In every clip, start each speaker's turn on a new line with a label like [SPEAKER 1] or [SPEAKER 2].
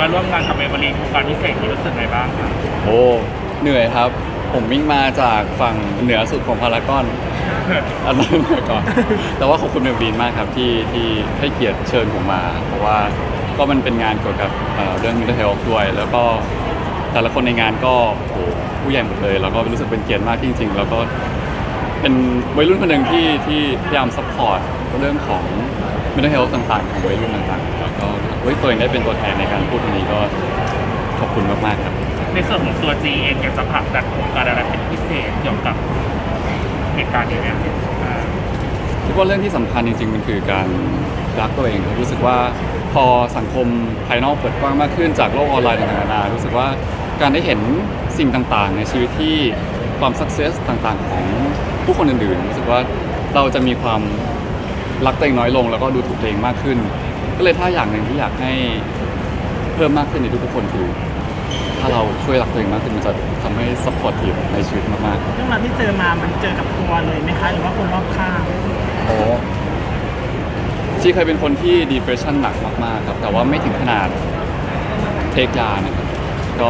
[SPEAKER 1] มาร่วมงานกับเอเวอร์ลีนโครงการพิเศษที่รู้สึกไงบ้างครับ
[SPEAKER 2] โอ้เหนื่อยครับ ผมวิ่งมาจากฝั่งเหนือสุดของพารากอนอันนั้นเหนื่อยก่อน แต่ว่าขอบคุณเมลบีนมากครับที่ให้เกียรติเชิญผมมา เพราะว่าก็มันเป็นงานเกี่ยวกับเรื่อง mental health ด้วย แล้วก็แต่ละคนในงานก็โอ้ผู้ใหญ่หมดเลยแล้วก็รู้สึกเป็นเกียรติมากจริงๆแล้วก็เป็นวัยรุ่นคนหนึ่งที่พยายามซัพพอร์ตเรื่องของ mental health ต่างๆของวัยรุ่นต่างๆแล้วก็ตัวเองได้เป็นตัวแทนในการพูดตรงนี้ก็ขอบคุณมากๆครับ
[SPEAKER 1] ในส่วนของตัว G เองอยากจะผลักดันโครงการอะไรเป็นพิเศษเกี่ยวกับเหตุการณ์นี้ไหมอ่า
[SPEAKER 2] คิดว่าเรื่องที่สำคัญจริงๆมันคือการรักตัวเองครับรู้สึกว่าพอสังคมภายนอกเปิดกว้างมากขึ้นจากโลกออนไลน์ต่างๆนานารู้สึกว่าการได้เห็นสิ่งต่างๆในชีวิตที่ความสักเซสต่างๆของผู้คนอื่นๆรู้สึกว่าเราจะมีความรักตัวเองน้อยลงแล้วก็ดูถูกตัวเองมากขึ้น ก็เลยถ้าอย่างหนึ่งที่อยากให้เพิ่มมากขึ้นในทุกๆคนคือถ้าเราช่วยรักตัวเองมากขึ้นมันจะทำให้ซัพพอร์ตทีมในชีวิตมากๆ
[SPEAKER 3] เรื่องราวที่เจอมามันเจอกับตัวเลยไหมคะหรือว่าคนรอบข้าง
[SPEAKER 2] โอ้ชีเคยเป็นคนที่ depression หนักมากๆครับแต่ว่าไม่ถึงขนาดเทคยานะครับก็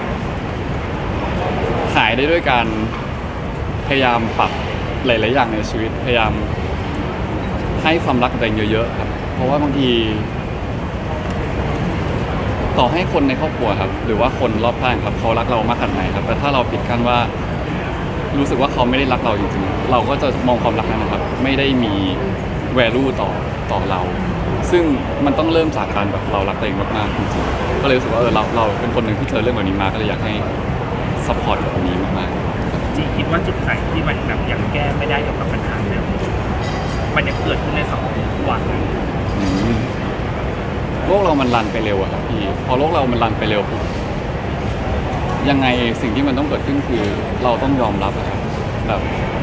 [SPEAKER 2] หายได้ด้วยการพยายามปรับหลายๆอย่างในชีวิตพยายามให้ความรักกับตัวเองเยอะๆครับเพราะว่าบางทีต่อให้คนในครอบครัวครับหรือว่าคนรอบข้างครับเขารักเรามากขนาดไหนครับแต่ถ้าเราปิดกั้นว่ารู้สึกว่าเขาไม่ได้รักเราจริงๆเราก็จะมองความรักนั้นนะครับไม่ได้มี value ต่อเรา ซึ่งมันต้องเริ่มจากการแบบเรารักตัวเองมากๆจริงๆก็เลยรู้สึกว่าเราเป็นคนหนึ่งที่เจอเรื่องแบบนี้มาก็เลยอยากให้ support แบบนี้มากๆ
[SPEAKER 1] จีคิดว่าจุดไหนที่มันแบบยังแก้ไม่ได้เกี่ยวกับปัญหาเดิมมันยังเกิดขึ้นในสังคมทุกวันนะ
[SPEAKER 2] โลกเรามันรันไปเร็วอะครับพี่พอโลกเรามันรันไปเร็วปุ๊บยังไงสิ่งที่มันต้องเกิดขึ้นคือเราต้องยอมรับอะครับแบบ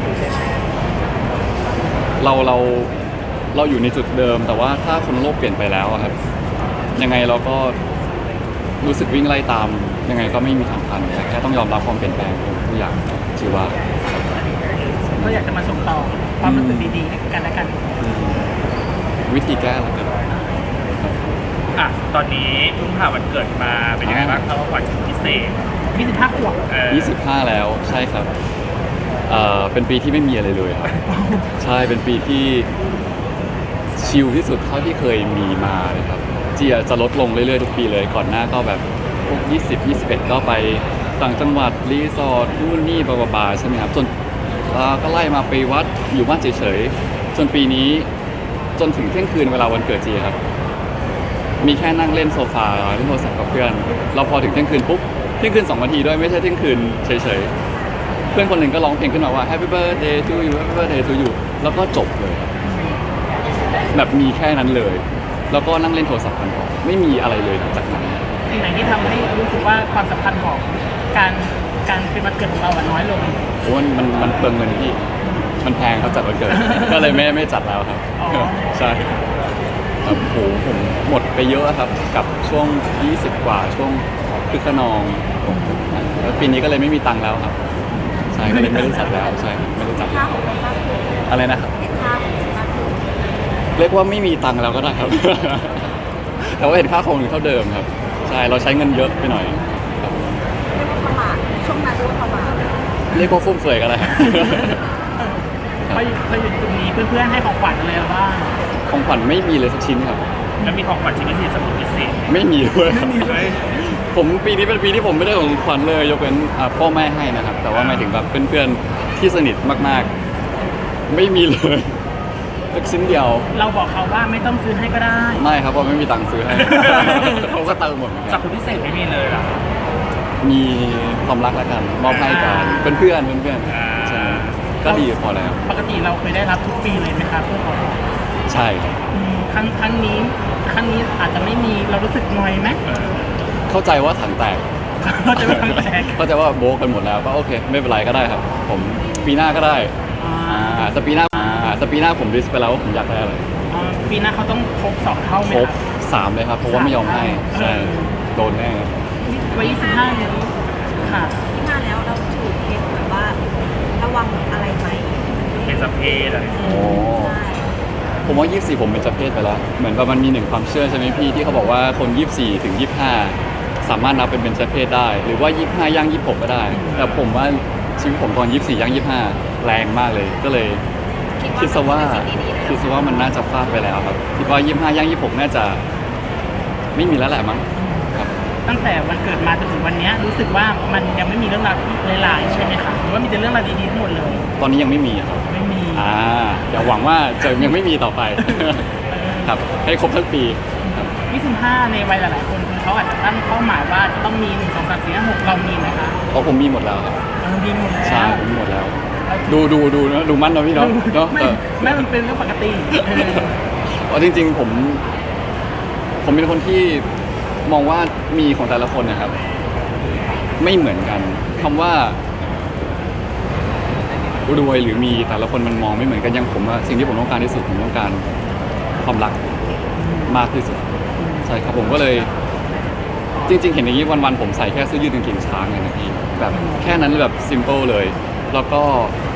[SPEAKER 2] เราอยู่ในจุดเดิมแต่ว่าถ้าคนโลกเปลี่ยนไปแล้วอะครับยังไงเราก็รู้สึกวิ่งไล่ตามยังไงก็ไม่มีทางทันแค่ต้องยอมรับความเปลี่ยนแปลงของทุกอย่างชีวะ
[SPEAKER 3] ก็อยากจะมาส่งต่อความรู้สึกดีๆให้กันและกัน
[SPEAKER 2] วิธีแก้ละกัน
[SPEAKER 1] อ่ะตอนนี้เพิ่งผ่านวันเกิดมาเป็นยังไงบ้างครับว่าขวัญพิเศษ
[SPEAKER 3] 25 ขวบ
[SPEAKER 2] 25 แล้วใช่ครับเป็นปีที่ไม่มีอะไรเลยครับ ใช่เป็นปีที่ชิลที่สุดเท่าที่เคยมีมาเลยครับจีจะลดลงเรื่อยๆทุกปีเลยก่อนหน้าก็แบบพวก20 21 ก็ไปต่างจังหวัดรีสอร์ทนู่นนี่บาๆใช่ไหมครับจนก็ไล่มาไปวัดอยู่บ้านเฉยๆจนปีนี้จนถึงเที่ยงคืนเวลาวันเกิดจีครับมีแค่นั่งเล่นโซฟาเล่นโทรศัพท์กับเพื่อนเราพอถึงเที่ยงคืนปุ๊บเที่ยงคืน2 นาทีด้วยไม่ใช่เที่ยงคืนเฉยๆเพื่อนคนหนึ่งก็ร้องเพลงขึ้นมาว่า Happy Birthday to you Happy Birthday to you แล้วก็จบเลยแบบมีแค่นั้นเลยแล้วก็นั่งเล่นโทรศัพท์กันต่อไม่มีอะไรเลยหลังจากนั้น
[SPEAKER 3] สิ่งไหนที่ทำให้รู้สึกว่าความสำคัญของการเป็นวันเกิดของเราน้อยลง
[SPEAKER 2] โอ้มันเปลืองเงินที่มันแพงเขาจัดวันเกิด ก็เลยไม่จัดแล้วครับ
[SPEAKER 3] อ๋อ
[SPEAKER 2] ใช่ครับโหผมหมดไปเยอะครับกับช่วง20 กว่าช่วงคึกขนองแล้วปีนี้ก็เลยไม่มีตังค์แล้วครับใช่ก็เลยไม่ได้จัดแล้วใช่ไม่ได้จัดแล้วอะไรนะครับเรียกว่าไม่มีตังค์แล้วก็ได้ครับ แต่ว่าเห็นค่าคงอยู่เท่าเดิมครับใช่เราใช้เงินเยอะไปหน่อยครับ
[SPEAKER 4] ประมาทช่วงนั้นประมาท
[SPEAKER 2] เรียกว่าฟุ่มเฟือยก็ได้
[SPEAKER 3] พออยู่ตรงนี้เพื่อนๆให้ของขวัญอะไรเราบ้าง
[SPEAKER 2] ของขวัญไม่มีเลยสักชิ้นครับ
[SPEAKER 1] แล้วมีของขวัญชิ้นพิเศษสำหรับพิเศษ
[SPEAKER 2] ไม่มีด้วยครับ
[SPEAKER 1] ไม่มีเลย
[SPEAKER 2] ผมปีนี้เป็นปีที่ผมไม่ได้ของขวัญเลยยกเว้นพ่อแม่ให้นะครับแต่ว่าหมายถึงแบบเพื่อนๆที่สนิทมากๆ ไม่มีเลยสักชิ้นเดียว
[SPEAKER 3] เราบอกเขาว่าไม่ต้องซื้อให้ก็ได้
[SPEAKER 2] ไม่ครับเพราะไม่มีตังค์ซื้อให้ เขาก็เติมหมดเหมือน
[SPEAKER 1] สั
[SPEAKER 2] กั
[SPEAKER 1] ก
[SPEAKER 2] น
[SPEAKER 1] คนพิเศษไม่มีเลยเหรอ
[SPEAKER 2] มีความรักแล้วกันมอบให้กันเพื่อนใช่ก็ดีพอแล้ว
[SPEAKER 3] ปกติเราเคยได้รับทุกปีเลยไหมครับเพื่อนของ
[SPEAKER 2] ใช่ครับ
[SPEAKER 3] ครั้งนี้อาจจะไม่มีเรารู้สึกนอยไหม
[SPEAKER 2] เข้าใจว่าถังแตก
[SPEAKER 3] เราจะไม่ทำแตก
[SPEAKER 2] เข้าใจว่าโบกกันหมดแล้วก็โอเคไม่เป็นไรก็ได้ครับ ผมปีหน้าก็ได้แต่ปีหน้าผมลิสต์ไปแล้วว่าผมอยากได้อะไร
[SPEAKER 3] ปีหน้าเขาต้องครบ2 เท่าไหม
[SPEAKER 2] คร
[SPEAKER 3] ค
[SPEAKER 2] บ
[SPEAKER 3] รับ
[SPEAKER 2] 3เลยครับเพราะว่าไม่ยอมให้ใช่โดนแน่
[SPEAKER 3] ไว้25นี้ค่ะ
[SPEAKER 4] ที่มาแล้วเราถือเคสแบบว่าระวังอะไรไหม
[SPEAKER 1] เป็นสพเพศอะไร
[SPEAKER 2] โอ้
[SPEAKER 4] ใช่
[SPEAKER 2] ผมว่า24ผมเป็นเจ้าเพศไปแล้วเหมือนว่ามันมีหนึ่งความเชื่อใช่ไหมพี่ที่เขาบอกว่าคน24ถึง25สามารถนับเป็นเบญจเพศได้ หรือว่า25ย่าง26ก็ได้ แต่ผมว่าชีวิตผมตอน24ย่าง25แรงมากเลยก็เลยคิดซะว่ามันน่าจะพลาดไปแล้วครับคิดว่า25ย่าง26น่าจะไม่มีแล้วแหละมั้งครับ
[SPEAKER 3] ตั้งแต่วันเกิดมาจนถึงวันเนี้ยรู้สึกว่ามันยังไม่มีเรื่องราวที่หลายๆใช่ไหมคะหรือว่ามีแต่เรื่องราวดีๆทั้งหมดเลย
[SPEAKER 2] ตอนนี้ยังไม่มีครับ
[SPEAKER 3] ไม่มี
[SPEAKER 2] เดี๋ยวหวังว่าจะยังไม่มีต่อไป ครับให้ครบทั้งปีครับ
[SPEAKER 3] 25ในวัยหลายๆคนคือเขาอาจจะตั้งเป้าหมายว่าจะต้องมี1 2 3 4 5 6เรามีไหมคะ
[SPEAKER 2] เพราะผมมีหมดแล้วครับ
[SPEAKER 3] เรามีหมดแล้ว
[SPEAKER 2] ใช่ผมมีหมดแล้ว ดูนะดูมั่นนะพี่เนาะเนาะ
[SPEAKER 3] ไม่มันเป็นเรื่องปกติ
[SPEAKER 2] เพราะจริงๆผมเป็นคนที่มองว่ามีของแต่ละคนนะครับ ไม่เหมือนกันคำว่ารวยหรือมีแต่ละคนมันมองไม่เหมือนกันอย่างผมอะสิ่งที่ผมต้องการที่สุดผมต้องการความรักมากที่สุดใช่ครับผมก็เลยจริงๆเห็นอย่างนี้วันๆผมใส่แค่เสื้อยืดกางเกงช้างเลยนะพี่แบบแค่นั้นแบบซิมเปิลเลยแล้วก็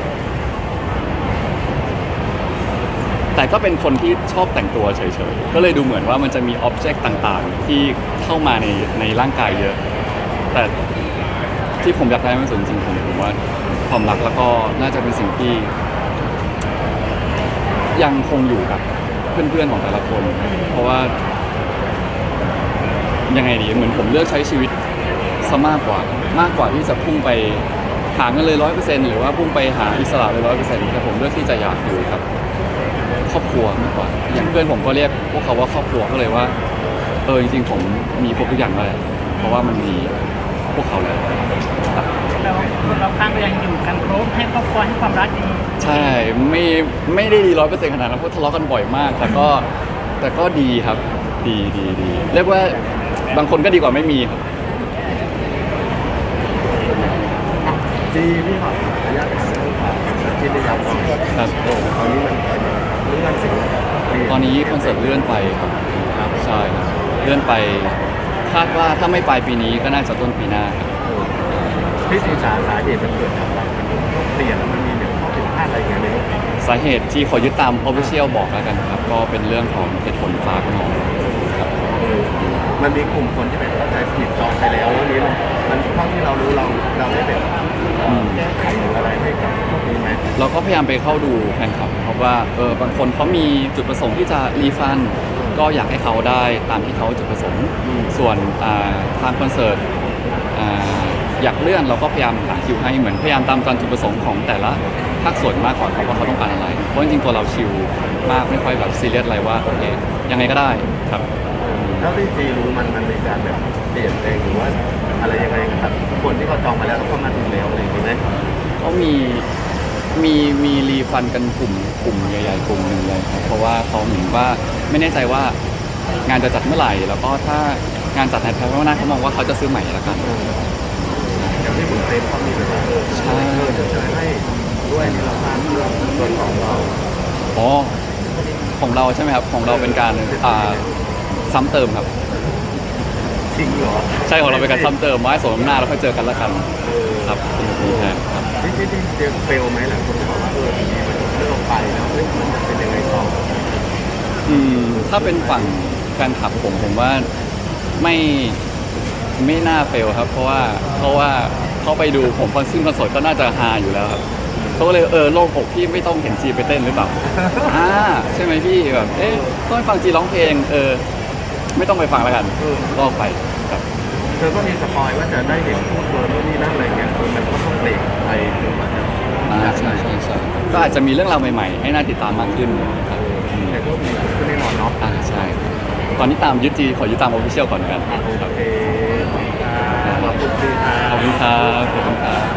[SPEAKER 2] แต่ก็เป็นคนที่ชอบแต่งตัวเฉยๆก็เลยดูเหมือนว่ามันจะมีอ็อบเจกต์ต่างๆที่เข้ามาในร่างกายเยอะแต่ที่ผมอยากได้มากที่สุดจริงๆผมว่าความรักแล้วก็น่าจะเป็นสิ่งที่ยังคงอยู่กับเพื่อนๆของแต่ละคน เพราะว่ายังไงดีเหมือนผมเลือกใช้ชีวิตซะมากกว่าที่จะพุ่งไปหาเงินเลย100%หรือว่าพุ่งไปหาอิสระเลย100%แต่ผมเลือกที่จะอยากอยู่กับครอบครัวมากกว่าอย่างเพื่อนผมก็เรียกพวกเขาว่าครอบครัวก็เลยว่าจริงๆผมมีครบทุกอย่างเลยเพราะว่ามันมีพวกเขาแล้วครับ
[SPEAKER 3] เราข้างก็ยังอยู่กันครบให้ครอบครัวให้ความรักดี
[SPEAKER 2] ใช่ไม่ได้ดี100%ขนาดนั้นเพราะทะเลาะกันบ่อยมากแต่ก็ดีครับดีเรียกว่าบางคนก็ดีกว่าไม่มีครับ
[SPEAKER 5] จีพี่ขออนุญาตถามเรื่องของจีนได้ยัง
[SPEAKER 2] ครับ
[SPEAKER 5] ตอนนี้มันเรื่องสิ่ง
[SPEAKER 2] ตอนนี้คอนเสิร์ตเลื่อนไปครับใช่ครับเลื่อนไปคาดว่าถ้าไม่ปลายปีนี้ก็น่าจะต้นปีหน้าครับ
[SPEAKER 5] พี่สิงสาสาเหตุมันเกิดจากอะไรมันต้องเปลี่ยนแล้วมันมีข้อผิดพลาดอะไรอย่างเงี้ยไหม
[SPEAKER 2] สาเหตุที่ขอยึดตาม official บอกแล้วกันครับก็เป็นเรื่องของเหตุผลฟ้าขนองครับ
[SPEAKER 5] มันมีกลุ่มคนที่เป็นเข้าใจผิดจองไปแล้วแล้วนี้มันเท่าที่เรารู้เราได้แบบแก้ไขหรืออะไรให้กับพวกนี้ไหม
[SPEAKER 2] เราก็พยายามไปเข้าดูแฟนคลับเพราะว่าบางคนเขามีจุดประสงค์ที่จะรีฟันก็อยากให้เขาได้ตามที่เขาจุดประสงค์ส่วนทางคอนเสิร์ตอยากเลื่อนเราก็พยายามหาคิวให้เหมือนพยายามตามจุดประสงค์ของแต่ละภาคส่วนมากกว่าว่าเขาต้องการอะไรเพราะจริงๆตัวเราชิลมากไม่ค่อยแบบซีเรียสอะไรว่าโอเคยังไงก็ได้ครับ
[SPEAKER 5] เท่าที่จีรู้มันมีการแบบเปลี่ยนแปลงหรือว่าอะไรยังไงครับคนที่เขาจองมาแล้วแล้วเขามาถึงแล้วอะไรอย่างนี้ไหม
[SPEAKER 2] เขามีรีฟันกันกลุ่มใหญ่ๆกลุ่มหนึ่งเลยครับเพราะว่าเขาเหมือนว่าไม่แน่ใจว่างานจะจัดเมื่อไหร่แล้วก็ถ้างานจัดในภายภาคหน้าเขามองว่าเขาจะซื้อใหม่ละกัน
[SPEAKER 5] อย่างที่ผมเต็มเขามีแบบว่า
[SPEAKER 2] ใช่
[SPEAKER 5] จะเชิญให้ด้วยในราคาส่วนของเรา
[SPEAKER 2] อ๋อของเราใช่ไหมครับของเราเป็นการซ้ำเติมครับ
[SPEAKER 5] จริงเหรอ
[SPEAKER 2] ใช่ของเราเป็นการซ้ำเติมไว้สมน้ำหน้าแล้วค่อยเจอกันละกันครับเป็นแบบนี้แทนครับ
[SPEAKER 5] ที่เจอเฟลไหมหลายคนบอกว่าทีนี้มันเลิกไปแล้วเฮ้ยมันจะเป็นยังไงต่อ
[SPEAKER 2] ถ้าเป็นฝั่งแฟนคลับผมว่าไม่น่าเฟลครับเพราะว่าเขาไปดูผมซึ่งคอนเสิร์ตก็น่าจะฮาอยู่แล้วครับเขาก็เลยโล่งอกพี่ไม่ต้องเห็นจีไปเต้นหรือเปล่า ใช่ไหมพี่แบบต้องไปฟังจีร้องเพลงไม่ต้องไปฟังแล้วกันลอกไปครับ
[SPEAKER 5] เธอก็มีสปอยว่าจะได้เห็นพูดเฟิร์นนู่นนี่นั่นอะไรเงี้ยมันก็ต้องเบรกไปจนกว่าจะ
[SPEAKER 2] ใช่ก็อาจจะมีเรื่องราวใหม่ๆให้น่าติดตามมากขึ้นครับ
[SPEAKER 5] แต่ก็มีขึ้นแน่นอนเนาะ
[SPEAKER 2] ใช่ครับตอนนี้ขอยึดตาม official ก่อนกันครับ
[SPEAKER 5] โอเคขอบคุณค่ะ
[SPEAKER 2] ขอบคุณครับ